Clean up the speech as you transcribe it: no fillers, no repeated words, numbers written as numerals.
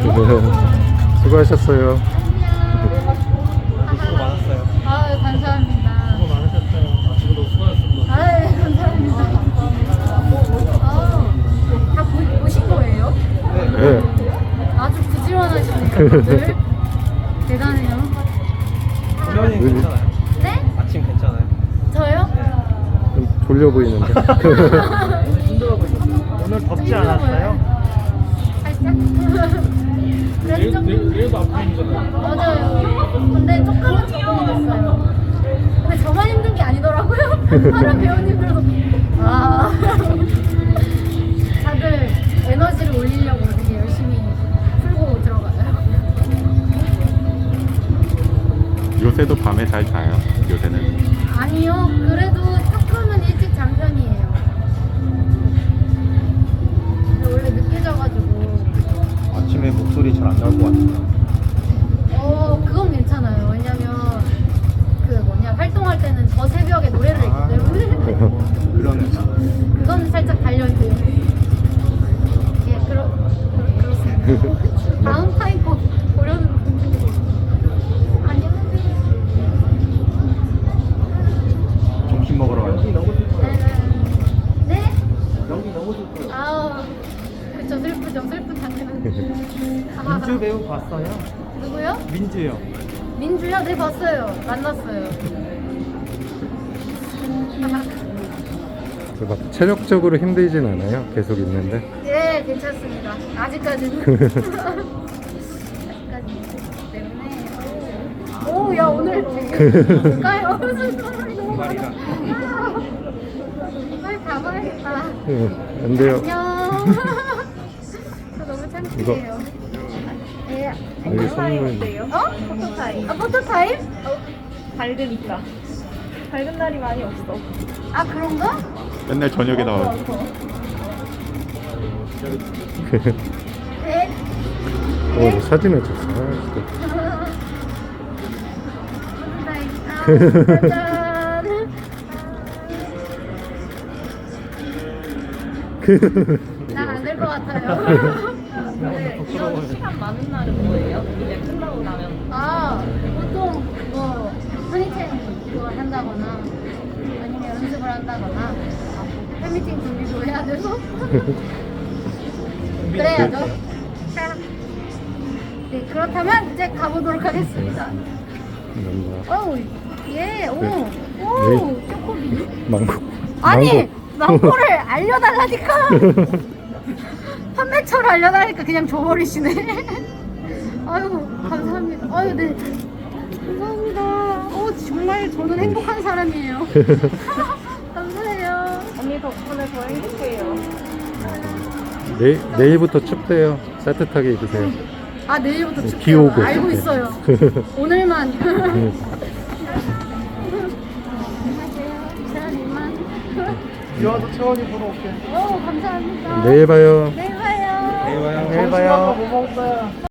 수고하셨어요. 수고 많았어요. 아유, 감사합니다. 수고 많으셨어요. 아침부터 수고하셨습니다. 아유, 감사합니다. 다 보신 거예요? 네. 아주 부지런하시네요, 다들. 대단해요. 수면이 괜찮아요? 네? 아침 괜찮아요? 저요? 좀 졸려 보이는데. 오늘 덥지 않았어요? 살짝? 그래도 좀 내일도 아침이잖아요. 맞아요. 근데 조금은 적응됐어요. 근데 저만 힘든 게 아니더라고요. 다른 배우님들도 다들 에너지를 올리려고 되게 열심히 풀고 들어가요. 요새도 밤에 잘 자요. 요새는. 아니요, 그래도 조금은 일찍 잔 편이에요. 근데 원래 늦게 자가지고 아침에 목소리 잘 안 나올 것 같아요. 그건 괜찮아요. 왜냐면 그 뭐냐 활동할 때는 저 새벽에 노래를 했기 때문에 그러네. 그건 살짝 달려있어요. 예, 그렇습니다. 다음 타임 꼭 보려는 분들. 안녕하세요. 점심 먹으러 가요. 네? 여기 너무 좋고요. 아우, 그쵸, 슬프죠. 슬픈 장면. 민주 배우 봤어요? 누구요? 민주요. 민주요? 네, 봤어요. 만났어요. 막 체력적으로 힘들진 않아요. 계속 있는데. 네, 괜찮습니다. 아직까지는. 아직까지는. 때문에. 오, 야, 오늘 되게 가까이 무슨 사람이 너무 많아. 빨리 가봐야겠다. 안 돼요. 안녕. 저 너무 창피해요. 예. 여기 선물. 어? 포토타임. 포토타임? 밝으니까. 밝은 날이 많이 없어. 아, 그런가? 맨날 저녁에 나와요. 네. 사진을 줬어. 진짜. 포토타임. 짜잔. 난 안 될 것 같아요. 이런 시간 많은 날은 뭐예요? 이제 끝나고 나면. 보통 뭐 허니텐 그거 한다거나 아니면 연습을 한다거나 팬미팅 준비도 해야 돼서 그래야죠. 자, 네, 그렇다면 이제 가보도록 하겠습니다. 감사합니다. 어우, 예, 오, 네. 초코비. 망고. 아니, 망고를 알려달라니까. 판매처를 알려달라니까 그냥 줘버리시네. 아유, 감사합니다. 아유, 네. 감사합니다. 정말 저는 행복한 사람이에요. 감사해요. 언니 덕분에 더 행복해요. 내일부터 춥대요. 따뜻하게 입으세요. 내일부터 비 춥대요. 오고. 알고 있어요. 오늘만. 채연이만. 비와도 채원이 보러 올게. 감사합니다. 내일 봐요. 내일 봐요. 내일 봐요. 내일 봐요. 뭐 먹었어요?